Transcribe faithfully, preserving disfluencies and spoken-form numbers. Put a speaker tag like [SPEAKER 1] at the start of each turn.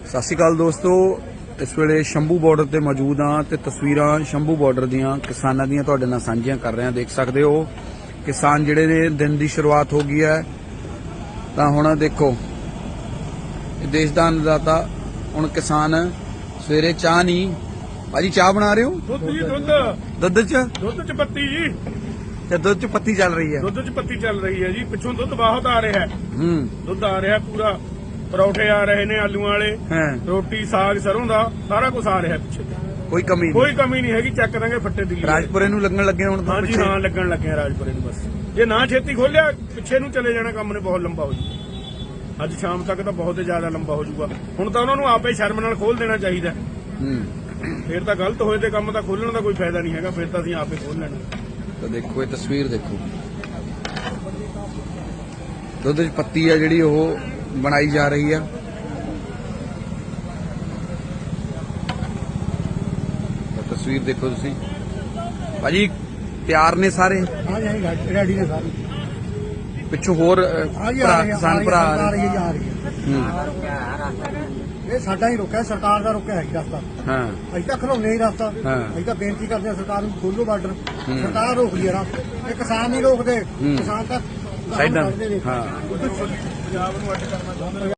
[SPEAKER 1] ਸਤਿ ਸ਼੍ਰੀ ਅਕਾਲ ਦੋਸਤੋ, ਇਸ ਵੇਲੇ ਸ਼ੰਭੂ ਬਾਰਡਰ ਤੇ ਮੌਜੂਦ ਹਾਂ ਤੇ ਤਸਵੀਰਾਂ ਸ਼ੰਭੂ ਬਾਰਡਰ ਦੀਆਂ ਕਿਸਾਨਾਂ ਦੀਆਂ ਤੁਹਾਡੇ ਨਾਲ ਸਾਂਝੀਆਂ ਕਰ ਰਹੇ ਹਾਂ। ਦੇਖ ਸਕਦੇ ਹੋ ਕਿਸਾਨ ਜਿਹੜੇ ਨੇ ਦਿਨ ਦੀ ਸ਼ੁਰੂਆਤ ਹੋ ਗਈ ਹੈ। ਤਾਂ ਹੁਣ ਦੇਖੋ ਇਹ ਦੇਸ਼ ਦਾ ਅੰਨਦਾਤਾ। ਹੁਣ ਕਿਸਾਨ ਸਵੇਰੇ ਚਾਹ ਨਹੀਂ ਭਾਜੀ, ਚਾਹ ਬਣਾ ਰਹੇ ਹੋ?
[SPEAKER 2] ਦੁੱਧ ਜੀ ਦੁੱਧ
[SPEAKER 1] ਦੁੱਧ ਚ
[SPEAKER 2] ਦੁੱਧ ਚ ਪੱਤੀ ਜੀ
[SPEAKER 1] ਤੇ ਦੁੱਧ ਚ ਪੱਤੀ ਚੱਲ ਰਹੀ ਹੈ।
[SPEAKER 2] ਦੁੱਧ ਚ ਪੱਤੀ ਚੱਲ ਰਹੀ ਹੈ ਜੀ। ਪਿੱਛੋਂ ਦੁੱਧ ਬਹੁਤ ਆ ਰਿਹਾ ਹੈ।
[SPEAKER 1] ਹੂੰ
[SPEAKER 2] ਦੁੱਧ ਆ ਰਿਹਾ ਪੂਰਾ। ਪਰੌਠੇ ਆ ਰਹੇ ਨੇ ਆਲੂਆਂ ਵਾਲੇ,
[SPEAKER 1] ਹੈ,
[SPEAKER 2] ਰੋਟੀ ਸਾਗ ਸਰੋਂ ਦਾ ਸਾਰਾ ਕੁਝ ਆ ਰਿਹਾ ਪਿੱਛੇ।
[SPEAKER 1] ਕੋਈ ਕਮੀ
[SPEAKER 2] ਕੋਈ
[SPEAKER 1] ਨਹੀਂ।
[SPEAKER 2] ਕਮੀ ਨਹੀਂ ਹੈਗੀ। ਚੱਕ ਦਾਂਗੇ ਫੱਟੇ ਦਿੱਲੀ।
[SPEAKER 1] ਰਾਜਪੁਰੇ ਨੂੰ ਲੱਗਣ ਲੱਗੇ ਹੁਣ ਤਾਂ
[SPEAKER 2] ਹਾਂਜੀ
[SPEAKER 1] ਪਿੱਛੇ।
[SPEAKER 2] ਹਾਂ, ਲੱਗਣ ਲੱਗੇ ਆ ਰਾਜਪੁਰੇ ਨੂੰ। ਬਸ ਜੇ ਨਾ ਛੇਤੀ ਖੋਲਿਆ ਪਿੱਛੇ ਨੂੰ ਚਲੇ ਜਾਣਾ, ਕੰਮ ਨੇ ਬਹੁਤ ਲੰਬਾ ਹੋ ਜੂ। ਅੱਜ ਸ਼ਾਮ ਤੱਕ ਤਾਂ ਬਹੁਤ ਜ਼ਿਆਦਾ ਲੰਬਾ ਹੋ ਜਾਊਗਾ। ਹੁਣ ਤਾਂ ਉਹਨਾਂ ਨੂੰ ਆਪੇ ਸ਼ਰਮ ਨਾਲ ਖੋਲ ਦੇਣਾ ਚਾਹੀਦਾ।
[SPEAKER 1] ਹੂੰ
[SPEAKER 2] ਫਿਰ ਤਾਂ ਗਲਤ ਹੋਏ ਤੇ ਕੰਮ ਤਾਂ ਖੋਲਣ ਦਾ ਕੋਈ ਫਾਇਦਾ ਨਹੀਂ ਹੈਗਾ। ਫਿਰ ਤਾਂ ਅਸੀਂ ਆਪੇ ਖੋਲ ਲੈਣਾ।
[SPEAKER 1] ਤਾਂ ਦੇਖੋ ਇਹ ਤਸਵੀਰ ਦੇਖੋ, ਦੁੱਧ ਚ ਪੱਤੀ ਆ ਜਿਹੜੀ ਉਹ ਬਣਾਈ ਜਾ ਰਹੀ ਆ। ਤਾਂ ਤਸਵੀਰ ਦੇਖੋ ਤੁਸੀਂ ਭਾਜੀ, ਤਿਆਰ ਨੇ ਸਾਰੇ?
[SPEAKER 3] हाँ जी हाँ जी रेडी ने सारी।
[SPEAKER 1] ਪਿੱਛੋਂ ਹੋਰ ਅ,
[SPEAKER 3] हाँ जी
[SPEAKER 1] ਭਰਾ
[SPEAKER 3] आ रही है,
[SPEAKER 1] ਕਿਸਾਨ ਭਰਾ
[SPEAKER 3] आ
[SPEAKER 1] ਆ
[SPEAKER 3] रही
[SPEAKER 1] ਰਹੇ।
[SPEAKER 3] है, आ रही है।
[SPEAKER 1] ਹੂੰ,
[SPEAKER 3] ਇਹ ਸਾਡਾ ਹੀ ਰੁਕਿਆ, ਸਰਕਾਰ ਦਾ ਰੁਕਿਆ ਹੈ ਰਸਤਾ।
[SPEAKER 1] ਹਾਂ
[SPEAKER 3] ਅਸੀਂ ਤਾਂ ਖਲੋਨੇ ਹੀ ਰਸਤਾ।
[SPEAKER 1] ਹਾਂ।
[SPEAKER 3] ਅਸੀਂ ਤਾਂ ਬੇਨਤੀ ਕਰਦੇ ਹਾਂ ਸਰਕਾਰ ਨੂੰ, ਖੋਲੋ ਬਾਰਡਰ।
[SPEAKER 1] ਹੂੰ।
[SPEAKER 3] ਸਰਕਾਰ ਰੋਕ ਲਈ ਰਸਤਾ, ਇਹ ਕਿਸਾਨ ਨਹੀਂ ਰੋਕਦੇ।
[SPEAKER 1] ਹੂੰ।
[SPEAKER 3] ਕਿਸਾਨ ਤਾਂ
[SPEAKER 1] ਸਾਈਡਾਂ
[SPEAKER 3] ਕਰਦੇ ਨੇ।
[SPEAKER 1] ਹਾਂ
[SPEAKER 2] ਪੰਜਾਬ ਨੂੰ ਅੱਡ ਕਰਨਾ ਚਾਹੁੰਦੇ ਨੇ।